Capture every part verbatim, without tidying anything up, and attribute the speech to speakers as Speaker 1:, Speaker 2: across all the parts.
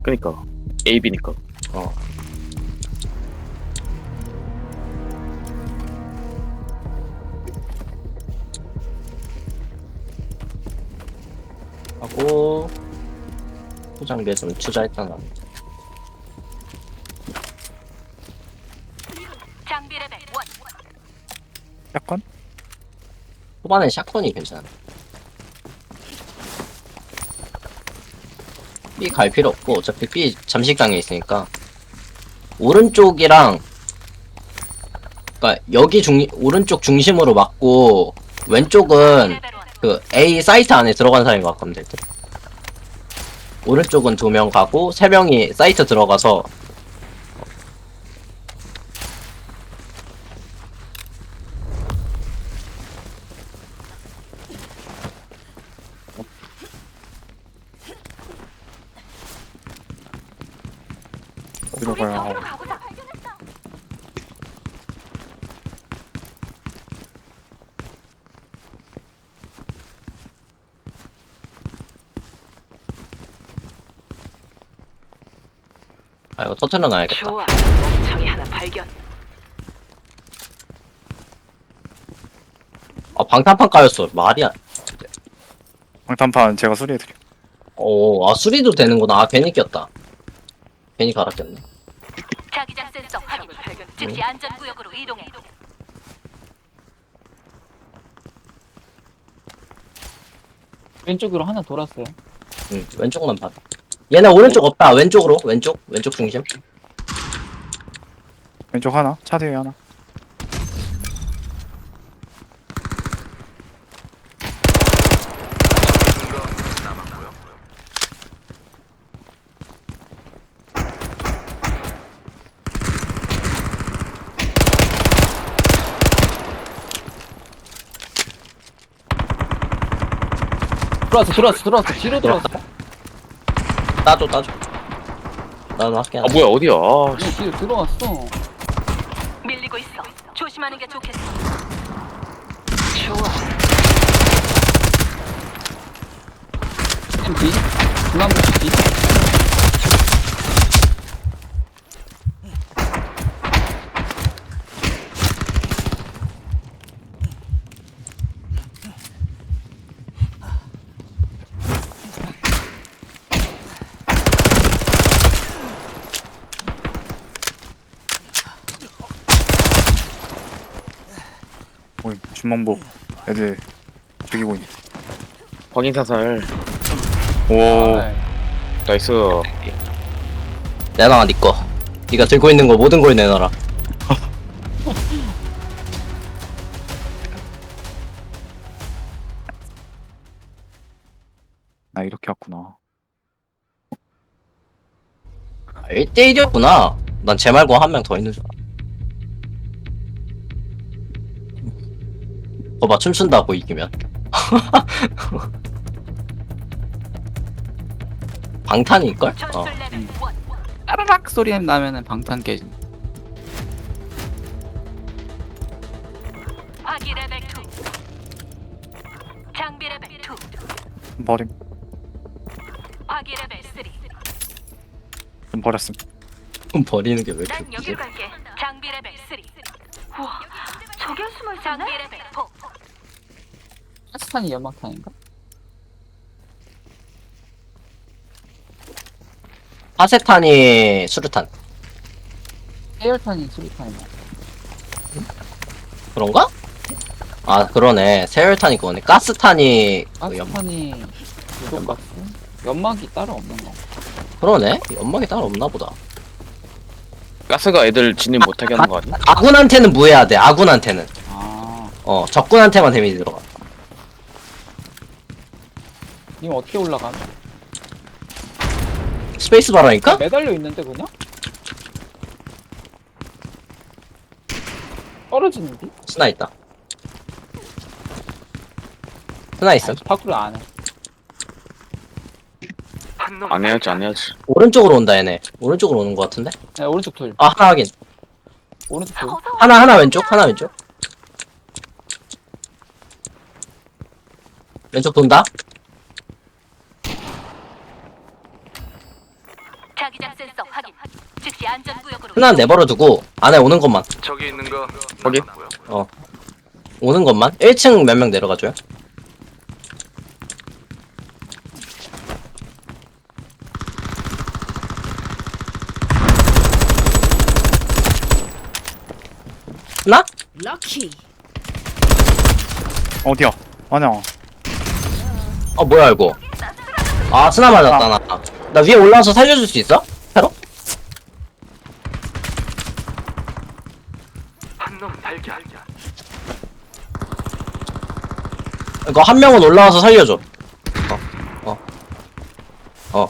Speaker 1: 그니까 A, B니까.
Speaker 2: 어. 하고 포장기에 좀 투자했잖아.
Speaker 3: 장비 레벨 원.
Speaker 4: 샷건?
Speaker 2: 초반에 샷건이 괜찮아. B 갈 필요 없고 어차피 B 잠식당에 있으니까 오른쪽이랑 그러니까 여기 중 오른쪽 중심으로 막고 왼쪽은
Speaker 3: 레벨 원.
Speaker 2: 그 A 사이트 안에 들어간 사람이 막으면 될 듯. 오른쪽은 두 명 가고 세 명이 사이트 들어가서
Speaker 4: 어디로 가야 하고.
Speaker 3: 저기로 가보자. 발견했어.
Speaker 2: 아 이거 터트려 놔야겠다.
Speaker 3: 좋아. 멍청이 하나 발견.
Speaker 2: 아 방탄판 까였어. 말이야.
Speaker 4: 방탄판 제가 수리해드려.
Speaker 2: 오, 아 수리도 되는구나. 아 괜히 꼈다. 괜히 갈아 꼈네.
Speaker 3: 자기장 센서 확인. 즉시 안전 구역으로 이동해.
Speaker 5: 왼쪽으로 하나 돌았어요.
Speaker 2: 응, 왼쪽만 봐. 얘네 오른쪽 없다. 왼쪽으로. 왼쪽. 왼쪽 중심.
Speaker 4: 왼쪽 하나, 차 뒤에 하나.
Speaker 5: 들어왔어, 들어왔어, 들어왔어. 뒤로 들어왔어.
Speaker 2: 따줘, 따줘. 나도 할게.
Speaker 1: 아 뭐야 어디야? 아, 씨.
Speaker 5: 뒤로 들어왔어.
Speaker 3: 밀리고 있어. 조심하는 게 좋겠어. 좋아.
Speaker 5: 뒤. 중앙부 뒤.
Speaker 4: 오이, 주먹복 애들 죽이고 있네.
Speaker 1: 확인 사살.
Speaker 4: 오,
Speaker 5: 아,
Speaker 1: 나이스.
Speaker 2: 내놔, 니 거. 니가 들고 있는 거 모든 걸 내놔라.
Speaker 4: 나 이렇게 왔구나.
Speaker 2: 아, 일 대일이었구나. 난 쟤 말고 한 명 더 있는 줄 알아. 거봐, 춤춘다고 이기면. 방탄일걸? 어.
Speaker 3: 전술 레벨 원.
Speaker 5: 따라락 소리 나면은 방탄 깨진.
Speaker 3: 화기 레벨 투. 장비 레벨 투.
Speaker 4: 버림.
Speaker 3: 화기 레벨 쓰리.
Speaker 4: 좀 버렸음.
Speaker 2: 좀 버리는 게 왜 이렇게
Speaker 3: 난
Speaker 2: 웃기지?
Speaker 3: 여길 갈게. 장비 레벨 쓰리. 우와. 저기 숨어 있었네. 장비 레벨 포.
Speaker 5: 파스탄이 연막탄인가?
Speaker 2: 파세탄이 수류탄.
Speaker 5: 해열탄이 수리탄이야.
Speaker 2: 그런가? 아, 그러네. 세열탄이 그거네. 가스탄이 그 연...
Speaker 5: 파스탄이 유독박스? 연막이 따로 없는 거.
Speaker 2: 그러네. 연막이 따로 없나 보다.
Speaker 1: 가스가 애들 진입 못하게 하는 거 아니야?
Speaker 2: 아군한테는 무해야 돼. 아군한테는.
Speaker 5: 아,
Speaker 2: 어, 적군한테만 데미지 들어가.
Speaker 5: 님 어떻게 올라가?
Speaker 2: 스페이스 바라니까?
Speaker 5: 매달려 있는데 그냥? 떨어지는데?
Speaker 2: 스나 있다. 스나 있음.
Speaker 5: 파쿠를 안 해.
Speaker 1: 안 해야지 안 해야지.
Speaker 2: 오른쪽으로 온다 얘네. 오른쪽으로 오는 것 같은데?
Speaker 5: 네, 오른쪽 돌.
Speaker 2: 아, 하나 확인.
Speaker 5: 오른쪽 돌.
Speaker 3: 어서
Speaker 2: 하나 하나 왼쪽, 하나 왼쪽. 왼쪽 돈다.
Speaker 3: 자기장 센서 확인. 즉시 안전구역으로.
Speaker 2: 하나 내버려두고 안에 오는 것만.
Speaker 6: 저기 있는 거
Speaker 1: 거기?
Speaker 6: 남았고요.
Speaker 2: 어. 오는 것만. 일 층 몇 명 내려가줘요. 하나?
Speaker 4: 어디야? 아니야.
Speaker 2: 어 뭐야 이거? 아 스나 맞았다 나. 나 위에 올라와서 살려줄 수 있어? 새로?
Speaker 6: 한 놈 발견.
Speaker 2: 이거 한 명은 올라와서 살려줘. 어. 어. 어.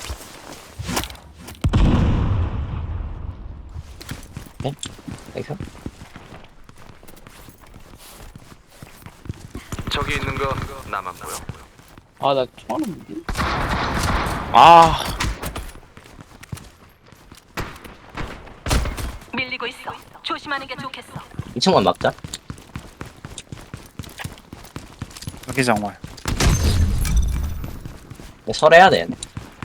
Speaker 2: 네? 이거?
Speaker 6: 저기 있는 거 남았고요.
Speaker 5: 아, 나 총알 없는데?
Speaker 1: 아
Speaker 3: 밀리고 있어. 조심하는 게 좋겠어.
Speaker 2: 이 층만 막자.
Speaker 4: 여기 정말.
Speaker 2: 설해야 돼. 얘네.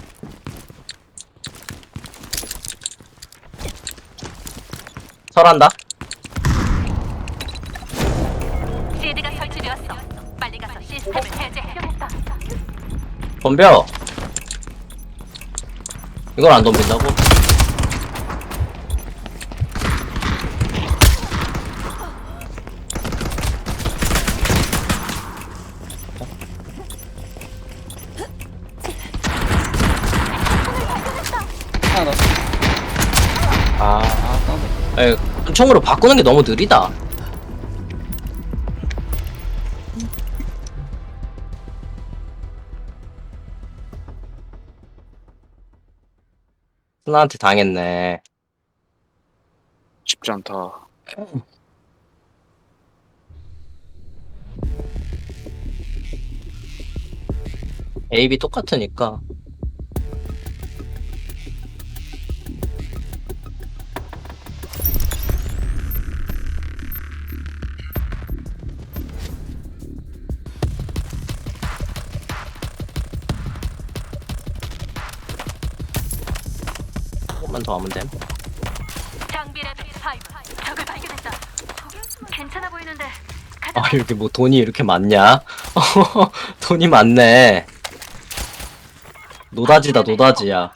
Speaker 2: 설한다.
Speaker 3: 시드가 설치되었어. 빨리 가서 시스템을 해제해.
Speaker 2: 덤벼. 이걸 안 덤빈다고?
Speaker 5: 하나 나.
Speaker 2: 아,
Speaker 5: 아, 싸운다.
Speaker 2: 에이, 총으로 바꾸는 게 너무 느리다. 스나한테 당했네.
Speaker 1: 쉽지 않다.
Speaker 2: A, B 똑같으니까. 조금만 더 하면 돼.
Speaker 3: 장비 레벨 오. 적을 발견했다. 저게 괜찮아 보이는데. 가자.
Speaker 2: 아, 이렇게 뭐 돈이 이렇게 많냐? 돈이 많네. 노다지다, 노다지야.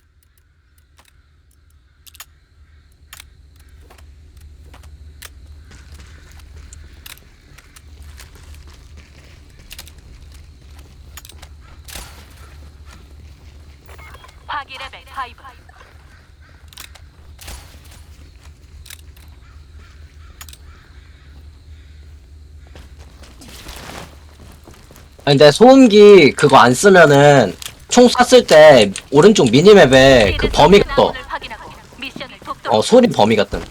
Speaker 3: 화기 레벨 오.
Speaker 2: 아니, 근데 소음기 그거 안 쓰면은 총 쐈을 때 오른쪽 미니맵에 그 범위가 떠.
Speaker 3: 확인하고 미션을 독점.
Speaker 2: 어, 소리 범위가 뜬.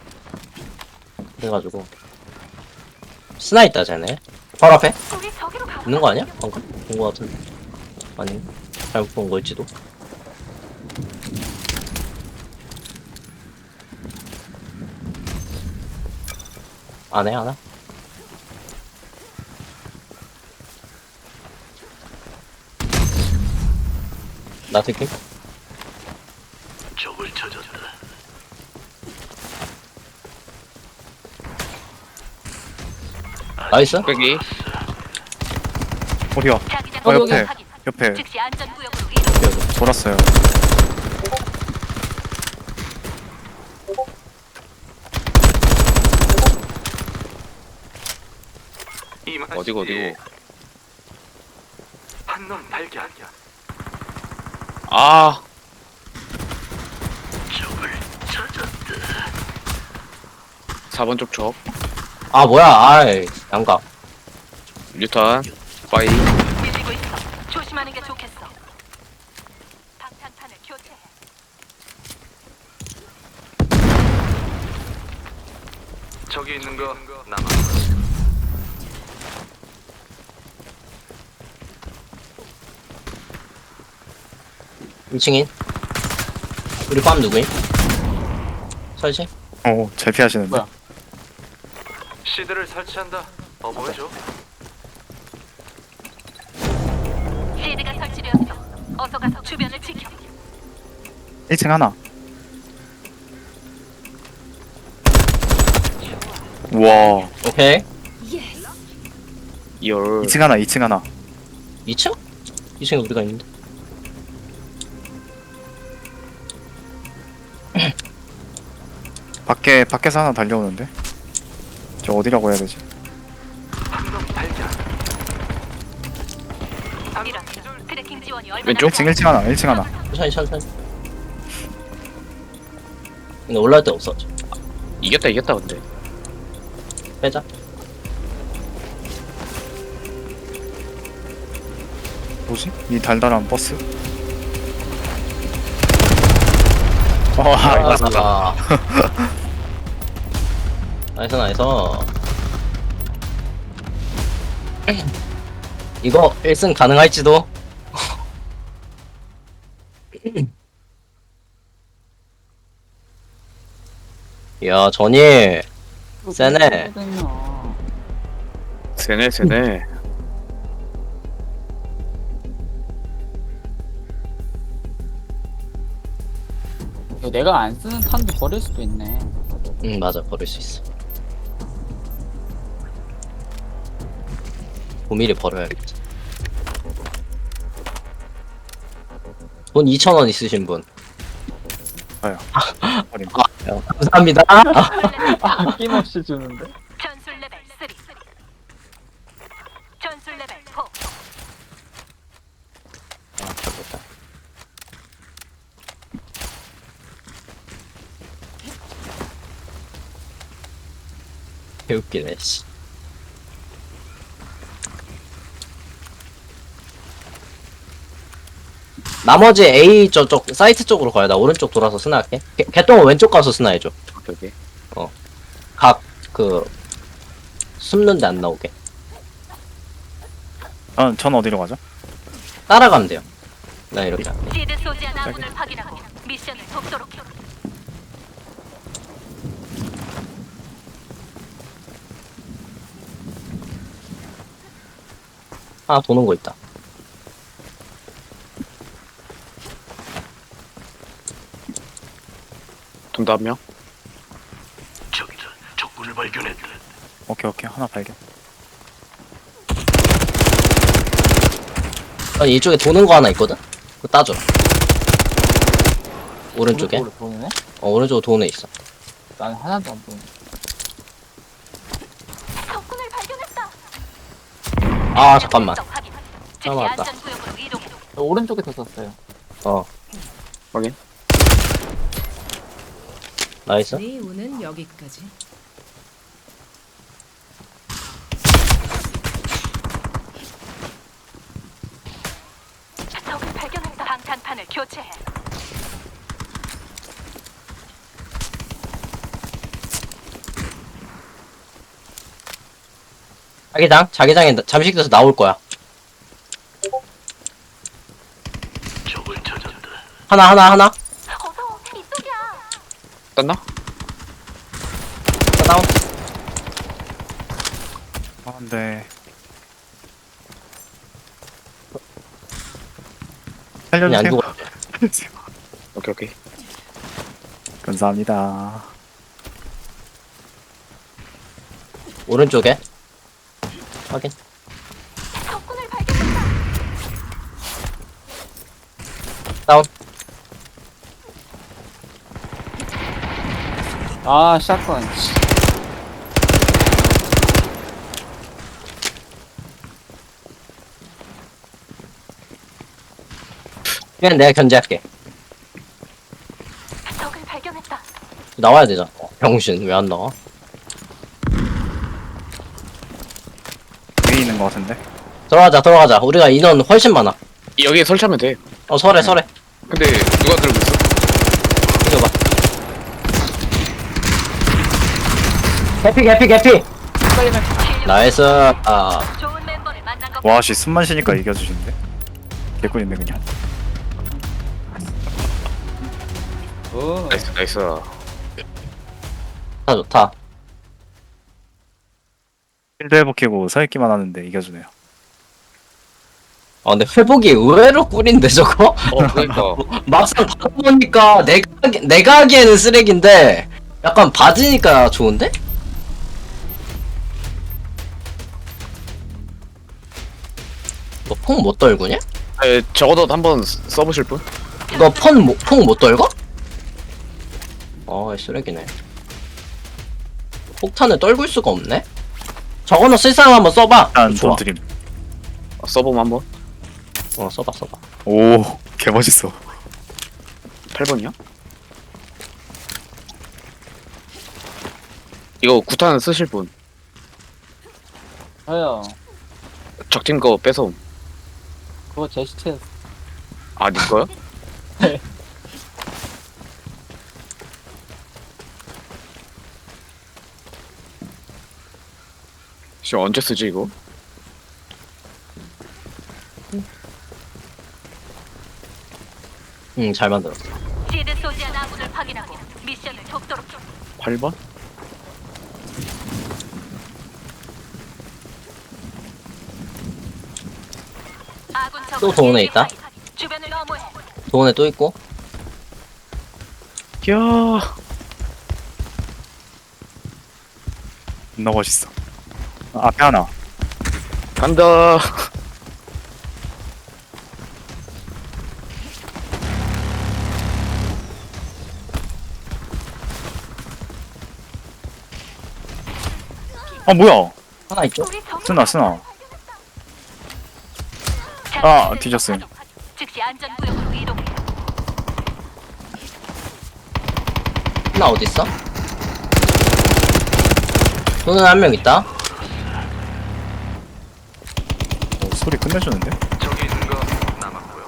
Speaker 2: 그래가지고. 스나 있다, 쟤네. 바로 앞에?
Speaker 3: 우리 저기로 가.
Speaker 2: 있는 거 아니야? 방금? 본 거 같은데. 아니, 잘못 본 걸지도. 안 해, 안 해? 나 느낌?
Speaker 6: 적을 찾았다.
Speaker 2: 나이스?
Speaker 1: 여기
Speaker 4: 어디야?
Speaker 3: 자기장
Speaker 4: 어,
Speaker 3: 구역을
Speaker 4: 옆에.
Speaker 3: 확인.
Speaker 4: 옆에
Speaker 3: 즉시 안전구역으로 이동.
Speaker 4: 돌았어요.
Speaker 1: 어디고 어디고.
Speaker 6: 한놈 발견.
Speaker 1: 아
Speaker 6: 적을 찾았다.
Speaker 1: 사 번 쪽 적.
Speaker 2: 아, 뭐야, 아이, 양각.
Speaker 1: 뉴턴 빠이.
Speaker 3: 밀리고 있어. 조심하는 게 좋겠어. 방탄판을 교체해.
Speaker 6: 저기 있는 거 남았고요.
Speaker 2: 이 층인. 우리 팜 누구임? 설치?
Speaker 4: 어, 잘 피하시는데.
Speaker 5: 뭐야?
Speaker 6: 시드를 설치한다. 어 보여줘.
Speaker 3: 시드가 설치되었어. 어서 가서 주변을 지켜.
Speaker 4: 일 층 하나. 우와.
Speaker 2: 오케이.
Speaker 1: 열.
Speaker 4: 이 층 하나, 이 층 하나.
Speaker 2: 이 층? 이 층에 우리가 있는데.
Speaker 4: 밖에, 밖에서 하나 달려오는데? 저 어디라고 해야 되지?
Speaker 6: 한명 발견.
Speaker 3: 이런 트래킹 지원이 얼마나
Speaker 1: 왼쪽?
Speaker 4: 일 층, 일 층 하나, 일 층 하나.
Speaker 2: 천천히 천천히. 근데 올라올 데 없어.
Speaker 1: 이겼다 이겼다 근데.
Speaker 2: 빼자.
Speaker 4: 뭐지? 이 달달한 버스? 어, 아, 맞았다.
Speaker 2: 아. 나이스 나이스. 이거 일 승 가능할지도. 야 전이 세네.
Speaker 1: 세네 세네.
Speaker 5: 내가 안 쓰는 탄도 버릴 수도 있네.
Speaker 2: 응 맞아 버릴 수 있어. 고미리 버려야겠다. 돈 이천 원 있으신 분.
Speaker 4: 버림.
Speaker 2: 야, 감사합니다.
Speaker 5: 아낌없이 주는데.
Speaker 3: 전술 레벨 삼. 전술 레벨 사.
Speaker 2: 아, 잘못다. 개웃기네, 씨. 나머지 A 저쪽 사이트 쪽으로 가야 나 오른쪽 돌아서 스나할게. 개, 개똥은 왼쪽 가서 스나해줘.
Speaker 1: 오케이 오케이.
Speaker 2: 각 그 숨는데 안 나오게.
Speaker 4: 전, 전 어디로 가죠?
Speaker 2: 따라가면 돼요. 나 이렇게. 할게.
Speaker 3: 시드 소지한 아군을 확인하고 미션을 돕도록 해.
Speaker 2: 하나 도는 거 있다.
Speaker 1: 돈다 한 명.
Speaker 6: 저기다 적군을 발견했다.
Speaker 4: 오케이, 오케이. 하나 발견.
Speaker 2: 아니 이쪽에 도는 거 하나 있거든. 그거 따줘. 오른쪽에.
Speaker 5: 오른쪽으로 보이네?
Speaker 2: 어 오른쪽으로 도는 애 있어.
Speaker 5: 난 하나도 안 보이네.
Speaker 3: 적군을 발견했다.
Speaker 2: 아 잠깐만.
Speaker 3: 적적 확인. 즉시
Speaker 2: 맞다.
Speaker 3: 안전구역으로 이동해.
Speaker 5: 저 오른쪽에 더 썼어요.
Speaker 2: 어.
Speaker 1: 확인.
Speaker 2: 나이스.
Speaker 7: 네 운은 여기까지.
Speaker 3: 적을 발견했다. 방탄판을 교체해.
Speaker 2: 자기장 자기장에 나- 잠식 돼서 나올 거야.
Speaker 6: 적을 찾았다.
Speaker 2: 하나 하나 하나.
Speaker 3: 어서 이쪽이야.
Speaker 1: 땄나?
Speaker 2: 자, 다운.
Speaker 4: 아, 근데.
Speaker 2: 그냥 안
Speaker 4: 살려주세요.
Speaker 2: 죽어.
Speaker 1: 오케이 오케이.
Speaker 4: 감사합니다.
Speaker 2: 오른쪽에. 확인.
Speaker 3: 적군을 발견했다.
Speaker 2: 다운.
Speaker 5: 아, 샷건. 씨.
Speaker 2: 그냥 내가 견제할게.
Speaker 3: 적을 발견했다.
Speaker 2: 나와야 되잖아. 어, 병신 왜 안 나와?
Speaker 4: 위에 있는 것 같은데?
Speaker 2: 들어가자 들어가자. 우리가 인원 훨씬 많아.
Speaker 1: 여기에 설치하면 돼.
Speaker 2: 어 설해 설해.
Speaker 1: 근데 누가 들고 있어?
Speaker 2: 이거 봐. 개피 개피 개피. 나이스. 아
Speaker 3: 좋은 멤버를 만난 것.
Speaker 4: 와, 씨, 숨만 쉬니까 이겨주시는데? 개꿀인데, 그냥.
Speaker 5: 오.
Speaker 1: 나이스 나이스.
Speaker 2: 좋다 좋다.
Speaker 4: 필드 회복키고 서있기만 하는데 이겨주네요.
Speaker 2: 아 근데 회복이 의외로 꿀인데 저거?
Speaker 1: 어 그러니까
Speaker 2: 막상 받아보니까 내가 하기- 내가 하기에는 쓰레기인데 약간 받으니까 좋은데? 너 퐁 못 떨구냐?
Speaker 1: 에, 적어도 한번 써보실 분?
Speaker 2: 너 폰, 퐁 못 떨궈? 어 쓰레기네. 폭탄을 떨굴 수가 없네? 저거는 쓸 사람 한번 써봐.
Speaker 4: 일단
Speaker 2: 좋아.
Speaker 4: 돈 드림.
Speaker 1: 어, 써보면 한번.
Speaker 2: 어 써봐 써봐.
Speaker 4: 오, 개멋있어.
Speaker 1: 팔 번이요? 이거 구탄 쓰실 분.
Speaker 5: 저요.
Speaker 1: 적팀 거 뺏어옴.
Speaker 5: 그거 제 시체.
Speaker 1: 아, 니 거요?
Speaker 5: 네.
Speaker 1: 씨, 언제 쓰지, 이거?
Speaker 2: 응 잘 만들었어.
Speaker 3: 시드 소지한 아군을 확인하고 미션을 돕도록 좀.
Speaker 1: 팔 번?
Speaker 3: 아군 적을
Speaker 2: 또 도원에 있다?
Speaker 3: 주변을 너무해.
Speaker 2: 도원에 또 있고.
Speaker 1: 이야.
Speaker 4: 존나 멋있어. 아, 앞에 하나.
Speaker 1: 간다.
Speaker 4: 아, 뭐야?
Speaker 2: 하나 있죠?
Speaker 3: 우리 적-
Speaker 4: 쓰나, 쓰나. 아, 뒤졌어요.
Speaker 3: 즉시 안전 구역으로 이동해.
Speaker 2: 하나 어디 있어? 도는 한 명 있다.
Speaker 4: 오, 소리 끝내주는데?
Speaker 6: 저기 있는 거 남았고요.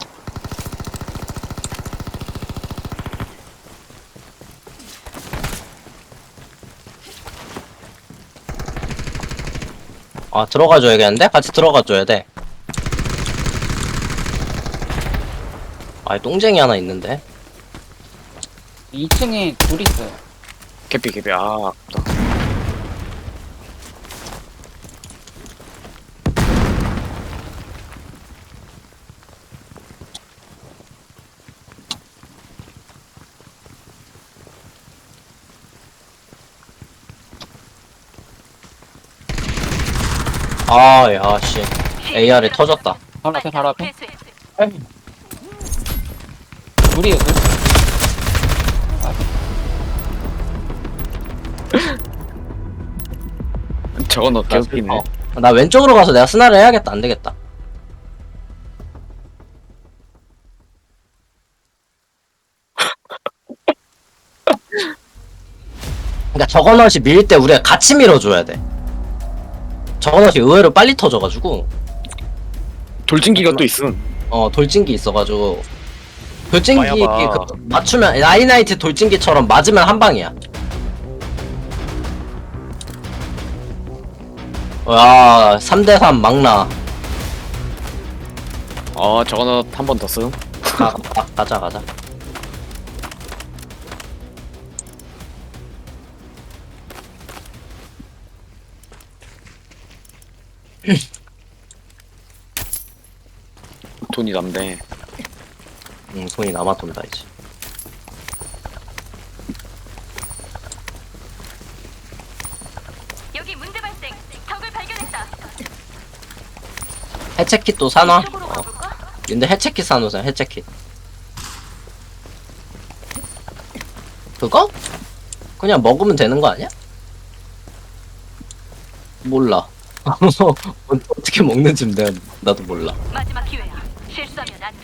Speaker 2: 아 들어가 줘야겠는데? 같이 들어가 줘야 돼. 아 똥쟁이 하나 있는데.
Speaker 5: 이 층에 둘 있어요.
Speaker 1: 개피, 개피. 아, 아깝다.
Speaker 2: 아야 씨. 에이알이 터졌다.
Speaker 5: 바로 앞에, 바로 앞에.
Speaker 3: 회수해.
Speaker 5: 둘이에요, 둘.
Speaker 1: 저건 너 개웃기네.
Speaker 2: 어. 나 왼쪽으로 가서 내가 스나를 해야겠다. 안 되겠다. 그러니까 저거넛이 밀 때 우리가 같이 밀어줘야 돼. 저거넛이 의외로 빨리 터져가지고
Speaker 1: 돌진기가 또 있음.
Speaker 2: 어 돌진기 있어가지고 돌진기
Speaker 1: 마야봐.
Speaker 2: 그 맞추면 라이나이트 돌진기처럼 맞으면 한 방이야. 와 삼 대 삼 막나.
Speaker 1: 어, 저거는 한 번 더 쓴.
Speaker 2: 가, 가, 가자 가자.
Speaker 1: 돈이 남네.
Speaker 2: 응 손이 남아 돈다 이제.
Speaker 3: 여기 문제 발생. 적을 발견했다.
Speaker 2: 해체킷 또 사놔.
Speaker 3: 이쪽으로
Speaker 2: 어.
Speaker 3: 가볼까?
Speaker 2: 근데 해체킷 사놓으세요 해체킷. 그거? 그냥 먹으면 되는 거 아니야? 몰라. 어떻게 먹는지 내가 나도 몰라.
Speaker 3: 마지막 기회야. 실수하면 안 돼.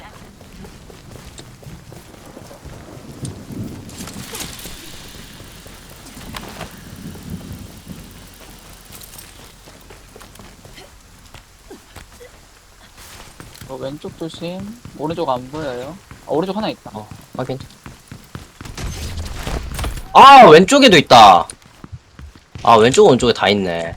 Speaker 5: 어, 왼쪽 조심. 오른쪽 안 보여요. 아, 오른쪽 하나 있다.
Speaker 2: 어 확인. 아 왼쪽에도 있다. 아 왼쪽 오른쪽에 다 있네.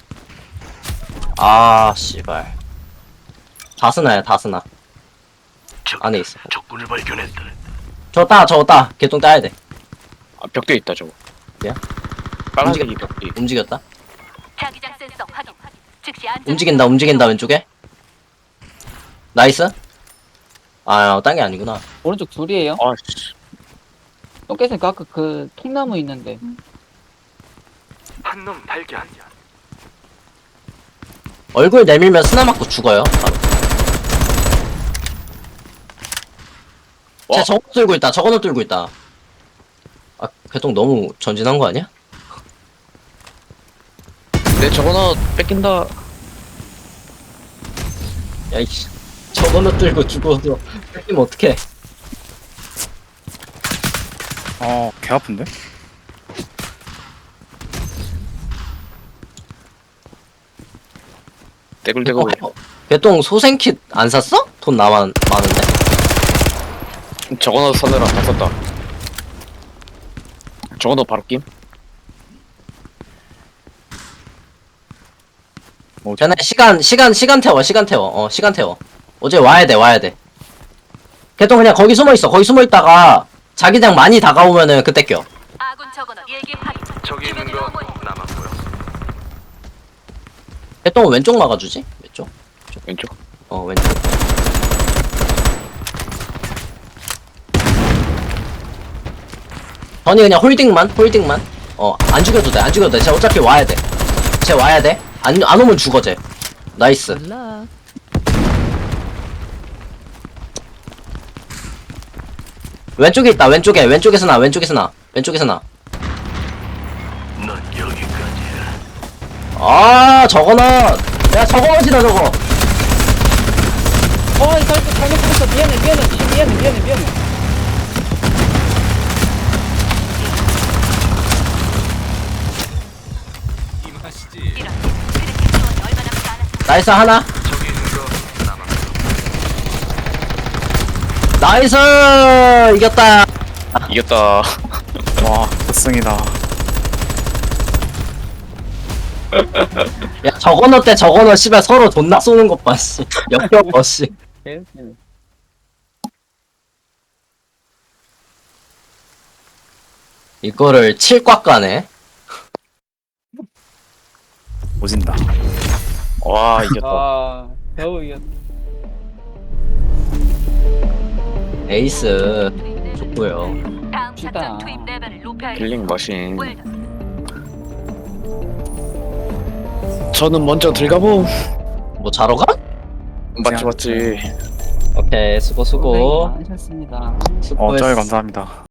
Speaker 2: 아 씨발. 다스나야 다스나.
Speaker 6: 저기
Speaker 2: 안에 있어.
Speaker 6: 적군을 발견했다.
Speaker 2: 저거 따 저거 따. 개똥 따야 돼.
Speaker 1: 아, 벽대 있다, 저거.
Speaker 2: 야?
Speaker 1: 빨간색이 벽대.
Speaker 2: 움직였다.
Speaker 3: 자기장 센서 확인. 즉시 안전.
Speaker 2: 움직인다 움직인다 왼쪽에. 나이스. 아, 딴 게 아니구나.
Speaker 5: 오른쪽 둘이에요.
Speaker 1: 아씨.
Speaker 5: 똥개쌤 아까 그 통나무 있는데.
Speaker 6: 한 놈 발견.
Speaker 2: 얼굴 내밀면 스나 맞고 죽어요. 바로. 쟤
Speaker 1: 와.
Speaker 2: 저거 들고 있다. 저거는 들고 있다. 아, 개똥 너무 전진한 거 아니야?
Speaker 1: 내 저거나 뺏긴다.
Speaker 2: 야이씨. 저거는 들고 죽어서 뺏기면 어떡해.
Speaker 4: 어, 개 아픈데?
Speaker 1: 떼굴떼굴.
Speaker 2: 어, 개똥 소생킷 안 샀어? 돈 나만 많은데.
Speaker 1: 저거나 사느라 다 썼다. 저거나 바로 낌?
Speaker 4: 뭐,
Speaker 2: 쟤네 시간 시간 시간 태워 시간 태워 어 시간 태워. 어제 와야 돼 와야 돼. 개똥 그냥 거기 숨어 있어. 거기 숨어 있다가 자기장 많이 다가오면은 그때 껴.
Speaker 3: 아군 적어너 일기 확인.
Speaker 6: 저기 있는
Speaker 3: 주변으로
Speaker 6: 거
Speaker 3: 모여.
Speaker 6: 남았고요.
Speaker 2: 개똥은 왼쪽 막아주지? 왼쪽?
Speaker 1: 왼쪽.
Speaker 2: 어 왼쪽. 전이 그냥 홀딩만 홀딩만. 어 안 죽여도 돼 안 죽여도 돼. 쟤 어차피 와야 돼. 쟤 와야 돼. 안 안 오면 죽어 쟤. 나이스. 왼쪽에 있다. 왼쪽에 왼쪽에서 나 왼쪽에서 나 왼쪽에서 나.
Speaker 6: 넌 여기까지야.
Speaker 2: 아 저거는 야 저거지다 저거.
Speaker 5: 어, 이 잘못 잘못 죽었어. 미안해, 미안해, 미안해, 미안해, 미안해.
Speaker 3: 이런. 그렇게 지원이 얼마 남지 않았어.
Speaker 2: 나이스 하나.
Speaker 6: 저기 있는 거 남았고요.
Speaker 2: 나이스 이겼다.
Speaker 1: 이겼다.
Speaker 4: 와, 우승이다.
Speaker 2: 야 저거너 때 저거너 씨발 서로 존나 쏘는 것 봐 씨. 역겨워 씨.
Speaker 5: 개웃기네.
Speaker 2: 이거를 칠꽉 가네.
Speaker 4: 오진다.
Speaker 1: 와 이겼다.
Speaker 5: 아, 겨우 이겼.
Speaker 2: 에이스
Speaker 3: 투입 레벨.
Speaker 2: 좋고요.
Speaker 3: 다음
Speaker 5: 시다.
Speaker 3: 작전 투입 레벨을 높여야
Speaker 1: 킬링 머신.
Speaker 3: 웰던.
Speaker 1: 저는 먼저 들어가보.
Speaker 2: 뭐 자러 가?
Speaker 1: 맞지 맞지.
Speaker 2: 오케이 수고
Speaker 5: 고생
Speaker 2: 수고
Speaker 5: 많으셨습니다.
Speaker 4: 어,
Speaker 2: 수고했어.
Speaker 4: 쩔 감사합니다.